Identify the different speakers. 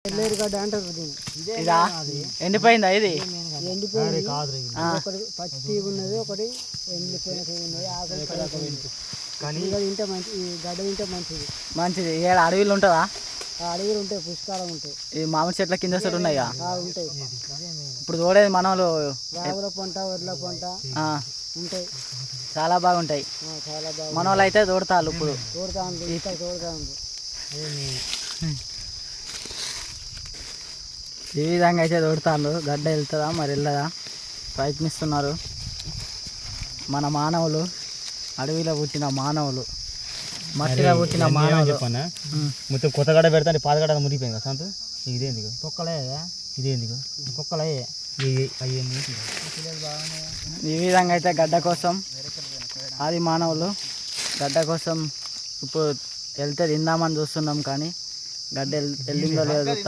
Speaker 1: ఎల్లేరుగడ్డ అంటారు దీన్ని.
Speaker 2: ఇదా ఎండిపోయిందా ఇది?
Speaker 1: ఎండిపోయింది. ఒకటి పచ్చి ఉన్నది, ఒకటి ఎండిపోయిన ఉన్నది. ఆకులు కానీ తింటే మంచి, ఈ గడ్డ తింటే మంచిది.
Speaker 2: మంచిది. ఏడ అడవిలు ఉంటుందా?
Speaker 1: అడవిలు ఉంటాయి, పుష్కలం ఉంటాయి.
Speaker 2: ఈ మామిడి చెట్ల కింద సైడ్ ఉన్నాయా?
Speaker 1: ఉంటాయి.
Speaker 2: ఇప్పుడు తోడేది మనోళ్ళు
Speaker 1: రాగుల పంట, వడ్ల పంట ఉంటాయి.
Speaker 2: చాలా బాగుంటాయి.
Speaker 1: చాలా బాగా
Speaker 2: మనోళ్ళు అయితే తోడతారు. ఇప్పుడు
Speaker 1: తోడుతా ఉంది.
Speaker 2: ఈ విధంగా అయితే తోడుతారు. గడ్డ వెళ్తుందా మరి వెళ్ళదా ప్రయత్నిస్తున్నారు మన మానవులు. అడవిలో పుట్టిన మానవులు, మట్టిలో పుట్టిన మానవులు.
Speaker 3: చెప్పన్నా మొత్తం కొత్త గడ్డ పెడతా, పాత గడ్డ మురిగిపోయింది కదా సంత. ఇదేందుకు
Speaker 1: కుక్కలే,
Speaker 3: ఇదేందుకు
Speaker 1: కుక్కలే.
Speaker 2: ఈ విధంగా అయితే గడ్డ కోసం ఆది మానవులు గడ్డ కోసం ఇప్పుడు వెళ్తే తిందామని చూస్తున్నాం, కానీ గడ్డ వెళ్ళిందో లేదో